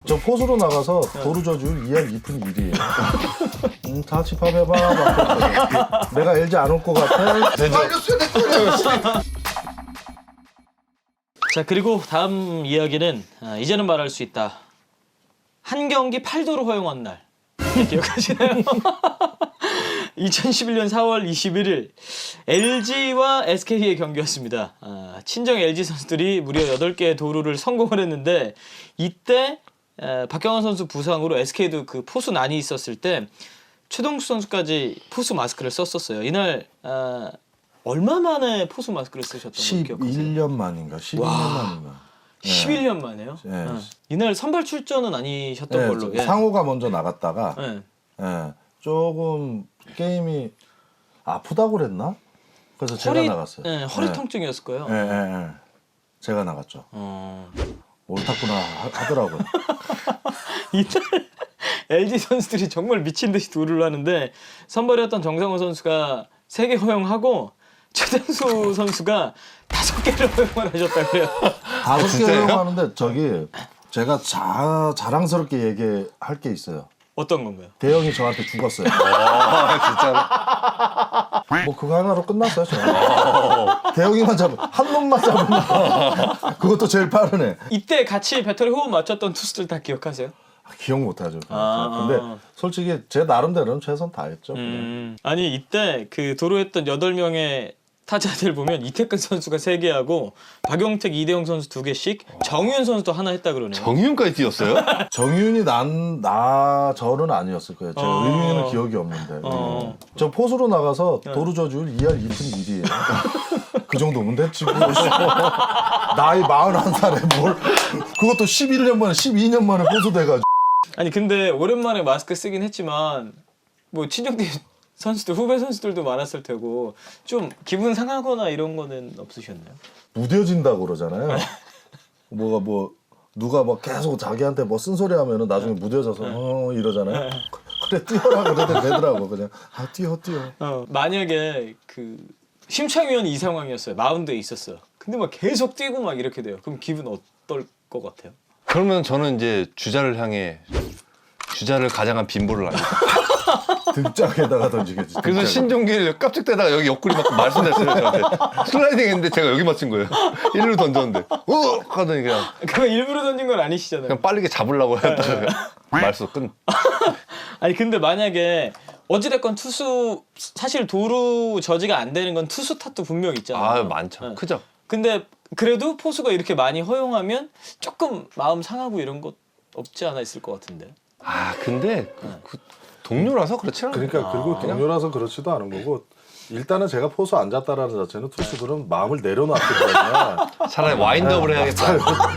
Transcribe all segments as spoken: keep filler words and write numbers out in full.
저 포수로 나가서 도루 저줄 이 할 이 푼 일이에요. 음, 다 집합해봐. 막 내가 엘지 안 올 것 같아. 자, 그리고 다음 이야기는 아, 이제는 말할 수 있다. 한 경기 팔 도루 허용한 날. 기억하시나요? 이천십일 년 사월 이십일일 엘지와 에스케이의 경기였습니다. 아, 친정 엘지 선수들이 무려 여덟 개의 도루를 성공을 했는데 이때 에, 박경환 선수 부상으로 에스케이도 그 포수 난이 있었을 때 최동수 선수까지 포수 마스크를 썼었어요. 이날 아, 얼마 만에 포수 마스크를 쓰셨던 거 기억하세요? 십일 년 만인가 십이 년 만인가. 네. 십일 년 만에요? 네. 어. 이날 선발 출전은 아니셨던 네, 걸로. 예. 상호가 먼저 나갔다가 네. 예, 조금 게임이 아프다고 그랬나? 그래서 제가 나갔어요. 예, 허리 예. 통증이었을 거예요. 예, 예, 예. 제가 나갔죠. 어. 옳다구나 하- 하더라고요. 이날 엘지 선수들이 정말 미친 듯이 도루를 하는데 선발이었던 정상호 선수가 세 개 허용하고 최정수 선수가 다섯 개를 허용을 하셨다 그래요. 다섯 개 허용하는데 저기 제가 자, 자랑스럽게 얘기할 게 있어요. 어떤 건가요? 대형이 저한테 죽었어요. 아, 진짜로? 뭐 그거 하나로 끝났어요. 저는. 대형이만 잡으면 한 놈만 잡으면 그것도 제일 빠르네. 이때 같이 배터리 호흡 맞췄던 투수들 다 기억하세요? 기억 못하죠. 아. 근데 솔직히 제 나름대로는 최선 다했죠. 음, 아니 이때 그 도루했던 여덟 명의 타자들 보면 이태근 선수가 세 개 하고 박용택, 이대영 선수 두 개씩, 정윤 선수도 하나 했다 그러네요. 정윤까지 뛰었어요? 정윤이 난, 나, 저는 아니었을 거예요. 제가 어. 의미는 기억이 없는데. 어. 저 포수로 나가서 네. 도루 저줄 이 할 이 푼 일이에요. 그 정도면 됐지. 뭐. 나이 마흔한 살에 뭘. 그것도 십일 년 만에, 십이 년 만에 포수 돼가지고. 아니 근데 오랜만에 마스크 쓰긴 했지만 뭐 친정팀 선수들, 후배 선수들도 많았을 테고 좀 기분 상하거나 이런 거는 없으셨나요? 무뎌진다고 그러잖아요. 뭐가 뭐, 누가 뭐 계속 자기한테 뭐 쓴소리 하면은 나중에 무뎌져서 어 이러잖아요. 그래, 뛰어라 그래도 되더라고. 그냥, 아, 뛰어, 뛰어. 어, 만약에 그 심창위원이 이 상황이었어요. 마운드에 있었어요. 근데 막 계속 뛰고 막 이렇게 돼요. 그럼 기분 어떨 것 같아요? 그러면 저는 이제 주자를 향해 주자를 가장한 빈볼을 합니다. 등짝에다가 던지겠지. 그래서 등짝에. 신종길 깜짝대다가 여기 옆구리 맞고 말씀했어요 저한테. 슬라이딩 했는데 제가 여기 맞춘 거예요. 일루 던졌는데 우 하더니 그냥 그거 일부러 던진 건 아니시잖아요. 그냥 빠르게 잡으려고 했다가 말수 끝. 아니 근데 만약에 어찌됐건 투수 사실 도루 저지가 안 되는 건 투수 탓도 분명 있잖아요. 아 많죠. 네. 크죠. 근데 그래도 포수가 이렇게 많이 허용하면 조금 마음 상하고 이런 것 없지 않아 있을 것 같은데. 아 근데 그, 그 동료라서 그렇지 않아요. 그러니까 그리고 동료라서 그렇지도 않은 거고 일단은 제가 포수 앉았다라는 자체는 투수들은 마음을 내려놨기 때문에 차라리 와인드업을 해야겠다.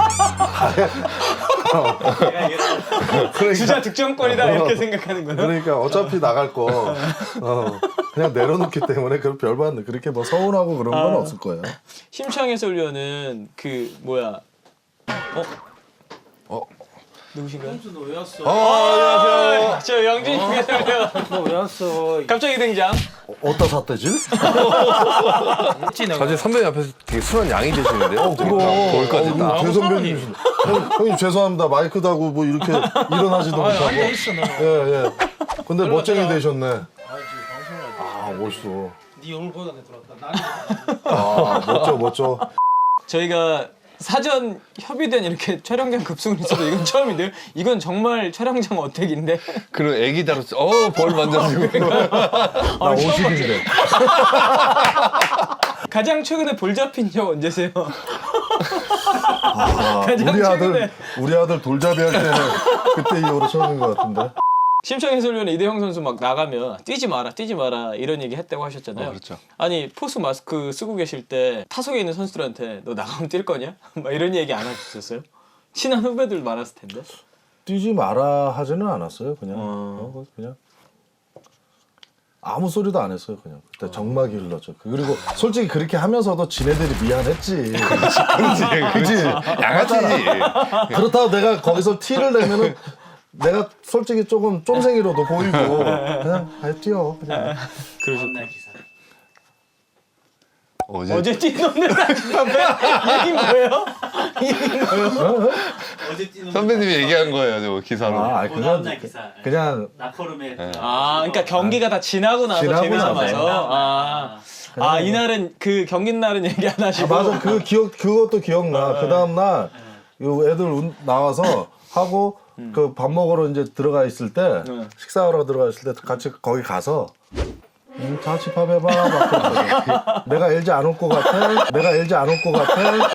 주자 득점권이다 이렇게 생각하는 거예요? 그러니까 어차피 나갈 거 어, 그냥 내려놓기 때문에 그 별반 그렇게 뭐 서운하고 그런 건 아. 없을 거예요. 심창 해설위원은 그 뭐야? 어? 어? 누구신가요? 너 왜 왔어? 어, 안녕하세요. 저 영진이 해설위원. 너 왜 왔어? 갑자기 등장. 어, 어디다 샀대질? 했지 내가. 사실 선배님 앞에서 되게 순한 양이 되시는데. 어, 그럼 거기까지 어, 딱. 대선배님 형, 형님 죄송합니다. 마이크 다고 뭐 이렇게 일어나지도 아니, 못하고 앉아 있어 너. 예, 예. 근데 멋쟁이 들어가. 되셨네. 아 지금 방송을 하지. 아 멋있어. 네 얼굴 보다 내 들어왔다. 나는 아 멋져 멋져. 저희가 사전 협의된 이렇게 촬영장 급승을 있어도 이건 처음인데요. 이건 정말 촬영장 어택인데. 그런 애기 다뤘어. 어, 벌 만져주고. 나 오십인데. 가장 최근에 볼 잡힌 적 언제세요? 아, 가장 우리 아들 최근에. 우리 아들 돌잡이 할 때는 그때 이후로 처음인 것 같은데. 심창 해설위원 이대형 선수 막 나가면 뛰지 마라 뛰지 마라 이런 얘기 했다고 하셨잖아요. 어, 그렇죠. 아니 포수 마스크 쓰고 계실 때 타석에 있는 선수들한테 너 나가면 뛸 거냐? 막 이런 얘기 안 하셨어요? 친한 후배들 많았을 텐데. 뛰지 마라 하지는 않았어요. 그냥 어. 어, 그냥 아무 소리도 안 했어요. 그냥 그때 정막이 흘렀죠. 그리고 솔직히 그렇게 하면서도 지네들이 미안했지. 그렇지. 그렇지. 양아치지. 그렇다고 내가 거기서 티를 내면은 내가 솔직히 조금 쫌생이로도 보이고 그냥 아예 뛰어 그냥. 그러셨. 날 기사. 어제, 어제 뛰는 라지판매 얘긴 뭐예요? 얘긴 뭐예요? 어제 뛰는 선배님이 얘기한 거예요, 저 기사로. 아, 아니, 그 그냥 다음날 기사. 그냥 나포름에 그 아, 그러니까 경기가 다 지나고 나서 지나고 재미삼아서. 나서. 아, 아 이날은 그 경기 날은 얘기 안 아, 하시고. 맞아 그 기억 그것도 기억나. 그 다음 날 애들 운- 나와서 하고 그 밥 먹으러 이제 들어가 있을 때 네. 식사하러 들어가 있을 때 같이 거기 가서 음, 자취밥 해봐 막 그랬거든. 내가 엘지 안 올 것 같아. 내가 엘지 안 올 것 같아.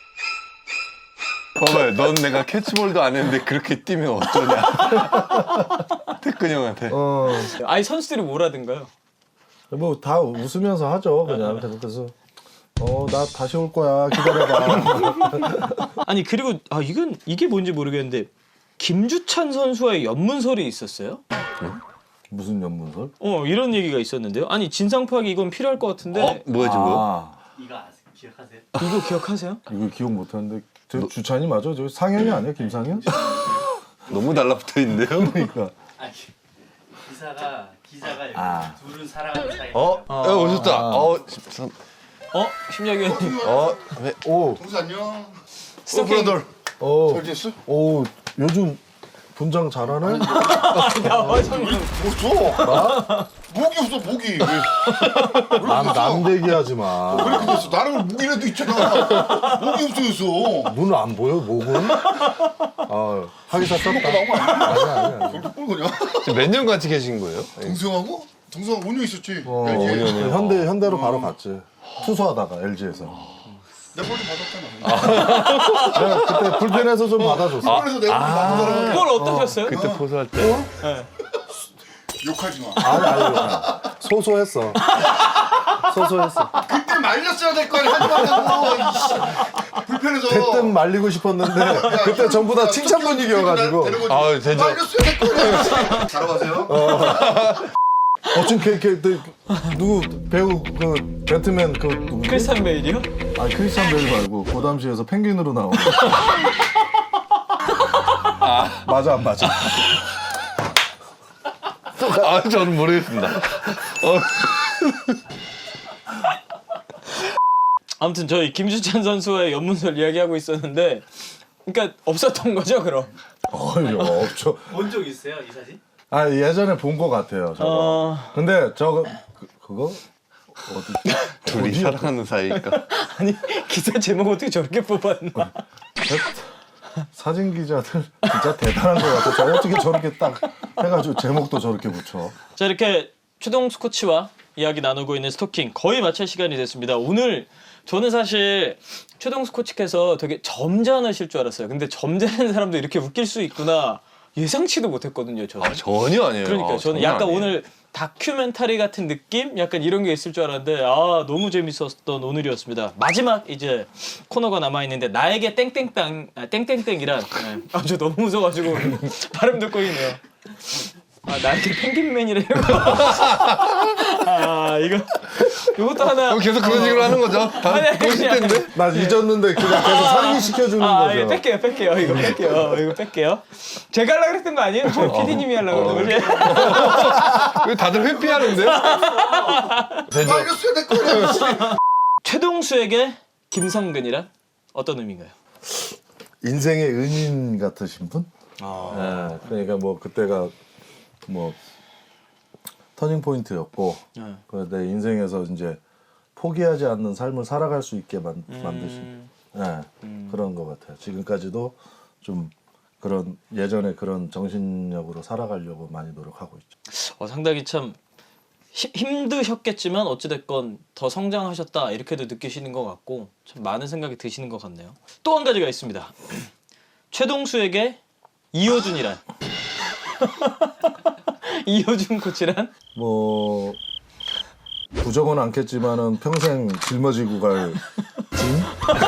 봐봐요, 넌 내가 캐치볼도 안 했는데 그렇게 뛰면 어쩌냐. 태근 형한테. 어, 아니 선수들이 뭐라든가요? 뭐 다 웃으면서 하죠. 그냥 그래서 어 나 다시 올 거야 기다려봐. 아니 그리고 아 이건 이게 뭔지 모르겠는데 김주찬 선수와의 연문설이 있었어요? 무슨 연문설? 어 이런 얘기가 있었는데요. 아니 진상 파악이 이건 필요할 것 같은데 어? 뭐야, 저거? 아, 이거 아세요? 기억하세요? 이거 기억하세요? 이거 기억 못하는데 저 주찬이 맞아? 저 상현이 아니야 김상현? 너무 달라붙어 있는데요? 그러니까 아 기사가 기사가 여기 아. 둘은 사랑하는 사이. 어? 어, 오셨다. 어, 선- 어 심혁 의원님 어, 왜? 오, 동수 안녕. 스토킹 오, 잘 지냈어? 오 요즘 분장 잘하네? 나와정님 없어. 나? 목이 없어 목이. 왜 남, 남 얘기하지 마. 그렇게 됐어? 나는 목이라도 있잖아. 목이 없어졌어. 눈 안 보여? 목은? 아, 하기사 떴다. 나온 거 아니야? 아니야, 아니야. 그렇게 본 거냐? 지금 몇 년 같이 계신 거예요? 동수형하고? 동수형 오 년 있었지. 어, 엘지에. 현대, 현대로 바로 갔지. 투수하다가 엘지에서. 내가 볼좀 받았잖아. 내가 그때 불펜에서 좀 받아줬어. 그래서 내가 볼좀 받은 사람은 그걸 어떠셨어요? 그때 포수할 때. 욕하지 마. 아니, 아니, 아니. 소소했어. 소소했어. 그때 말렸어야 될 거 아니야. 하지 말라고. 이씨. 불편해서. 그땐 말리고 싶었는데 그때 전부 다 칭찬 분위기여가지고. 아, 되죠. 말렸어야 될 거 아니야. 잘하세요. 어, 지금 걔, 걔, 걔, 누구 배우 그 배트맨 그 누구지? 크리스탄 베일이요? 아 크리스찬 베일 말고 그 당시에서 펭귄으로 나온. 맞아 안 맞아? 아, 저는 모르겠습니다. 어, 아무튼 저희 김주찬 선수와의 연문설 이야기하고 있었는데 그러니까 없었던 거죠 그럼? 어이 없죠. 본 적 있어요 이 사진? 아 예전에 본 것 같아요 저거. 어... 근데 저거 그, 그거 어디? 둘이 어디? 사랑하는 사이니까. 아니 기사 제목 어떻게 저렇게 뽑았나? 사진 기자들 진짜 대단한 것 같아. 저 어떻게 저렇게 딱 해가지고 제목도 저렇게 붙여. 자 이렇게 최동수 코치와 이야기 나누고 있는 스토킹 거의 마칠 시간이 됐습니다. 오늘 저는 사실 최동수 코치께서 되게 점잖으실 줄 알았어요. 근데 점잖은 사람도 이렇게 웃길 수 있구나 예상치도 못했거든요. 저는. 아, 전혀 아니에요. 그러니까 아, 저는 전혀 약간 아니에요. 오늘 다큐멘터리 같은 느낌? 약간 이런 게 있을 줄 알았는데 아 너무 재밌었던 오늘이었습니다. 마지막 이제 코너가 남아있는데 나에게 땡땡땅 아, 땡땡땡이란 네. 아저 너무 무서워가지고 발음 듣고 있네요. 아 나에게 펭귄맨이래요. 아 이거 이것도 하나 그럼 계속 그런 식으로 하는 거죠? 다 아니, 꼬실 아니, 텐데? 나 잊었는데 그거 계속 상기 시켜주는 아, 거죠. 예, 뺄게요, 뺄게요. 이거 뺄게요. 이거 뺄게요. 제가 하려고 그랬던 거 아니에요? 저 피디님이 하려고 그런 거지? 왜 다들 회피하는데? 되죠. 말렸어야 될 거 아니야. 최동수에게 김성근이란 어떤 의미인가요? 인생의 은인 같으신 분? 아, 네, 그러니까 뭐 그때가 뭐 터닝 포인트였고 네. 그 내 인생에서 이제 포기하지 않는 삶을 살아갈 수 있게 만, 음. 만드신 네, 그런 것 같아요. 지금까지도 좀 그런 예전에 그런 정신력으로 살아가려고 많이 노력하고 있죠. 어, 상당히 참 히, 힘드셨겠지만 어찌됐건 더 성장하셨다 이렇게도 느끼시는 것 같고 참 많은 생각이 드시는 것 같네요. 또 한 가지가 있습니다. 최동수에게 이호준이란 이호준 코치란 뭐 부정은 않겠지만은 평생 짊어지고 갈 짐?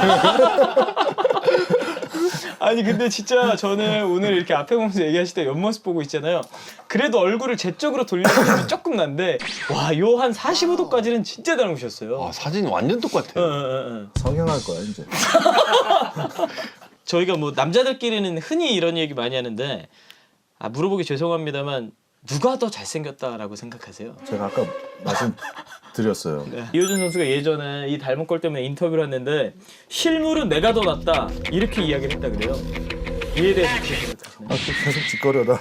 아니 근데 진짜 저는 오늘 이렇게 앞에 보면서 얘기하실 때 옆모습 보고 있잖아요. 그래도 얼굴을 제 쪽으로 돌리는 조금 난데 와 요 한 사십오 도까지는 진짜 닮으셨어요. 아, 사진 완전 어, 똑같아요. 어, 어, 어. 성형할 거야 이제. 저희가 뭐 남자들끼리는 흔히 이런 얘기 많이 하는데 아 물어보기 죄송합니다만 누가 더 잘생겼다라고 생각하세요? 제가 아까 말씀드렸어요. 네. 이호준 선수가 예전에 이 닮은 꼴 때문에 인터뷰를 했는데 실물은 내가 더 낫다 이렇게 이야기를 했다 그래요. 이에 대해서 어떻게 생각하시나요? 아, 계속 짓거려라.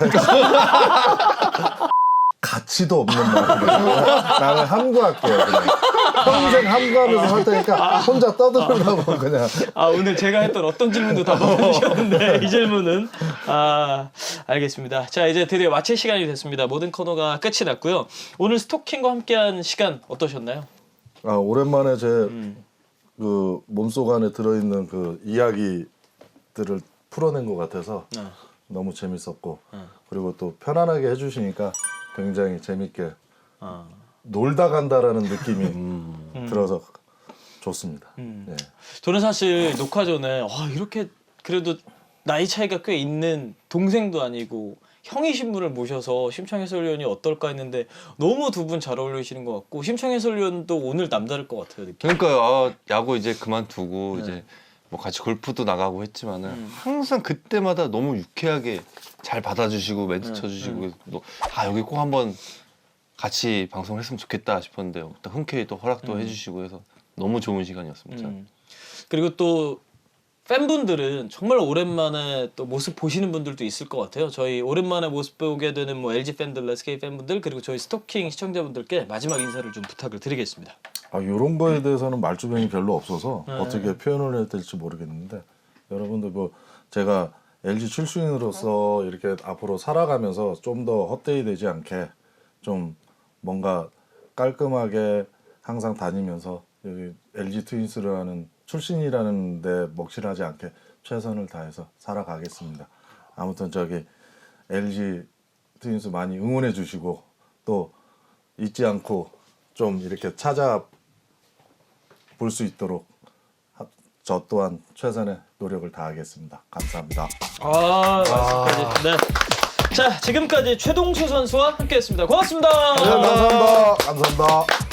가치도 없는 말이에요. 나는 함구할게요. 그냥. 평생 함구하면서 살 테니까 혼자 떠들으라고 그냥. 아 오늘 제가 했던 어떤 질문도 다 받아주셨는데 이 질문은 아 알겠습니다. 자 이제 드디어 마칠 시간이 됐습니다. 모든 코너가 끝이 났고요. 오늘 스토킹과 함께한 시간 어떠셨나요? 아 오랜만에 제 그 음. 몸속 안에 들어있는 그 이야기들을 풀어낸 것 같아서 어. 너무 재밌었고 어. 그리고 또 편안하게 해주시니까 굉장히 재밌게 어. 놀다 간다라는 느낌이 들어서 좋습니다. 음. 네. 저는 사실 녹화 전에 와 이렇게 그래도 나이 차이가 꽤 있는 동생도 아니고 형이신 분을 모셔서 심창 해설위원이 어떨까 했는데 너무 두 분 잘 어울리시는 것 같고 심창 해설위원도 오늘 남다를 것 같아요 느낌. 그러니까요. 아, 야구 이제 그만두고 네. 이제 뭐 같이 골프도 나가고 했지만은 음. 항상 그때마다 너무 유쾌하게 잘 받아주시고 멘트 네. 쳐주시고 그래서 또, 아 여기 꼭 한번 같이 방송을 했으면 좋겠다 싶었는데 또 흔쾌히 또 허락도 음. 해주시고 해서 너무 좋은 시간이었습니다. 음. 그리고 또 팬분들은 정말 오랜만에 또 모습 보시는 분들도 있을 것 같아요. 저희 오랜만에 모습 보게 되는 뭐 엘지 팬들, 에스케이 팬분들 그리고 저희 스토킹 시청자분들께 마지막 인사를 좀 부탁을 드리겠습니다. 아 이런 거에 대해서는 말주변이 별로 없어서 네. 어떻게 표현을 해야 될지 모르겠는데 여러분들 뭐 제가 엘지 출신으로서 이렇게 앞으로 살아가면서 좀 더 헛되이 되지 않게 좀 뭔가 깔끔하게 항상 다니면서 여기 엘지 트윈스라는 출신이라는 데 먹칠하지 않게 최선을 다해서 살아가겠습니다. 아무튼 저기 엘지 트윈스 많이 응원해 주시고 또 잊지 않고 좀 이렇게 찾아 볼 수 있도록 하- 저 또한 최선의 노력을 다하겠습니다. 감사합니다. 아, 말씀까지. 네. 자, 지금까지 최동수 선수와 함께했습니다. 고맙습니다. 네, 감사합니다. 감사합니다.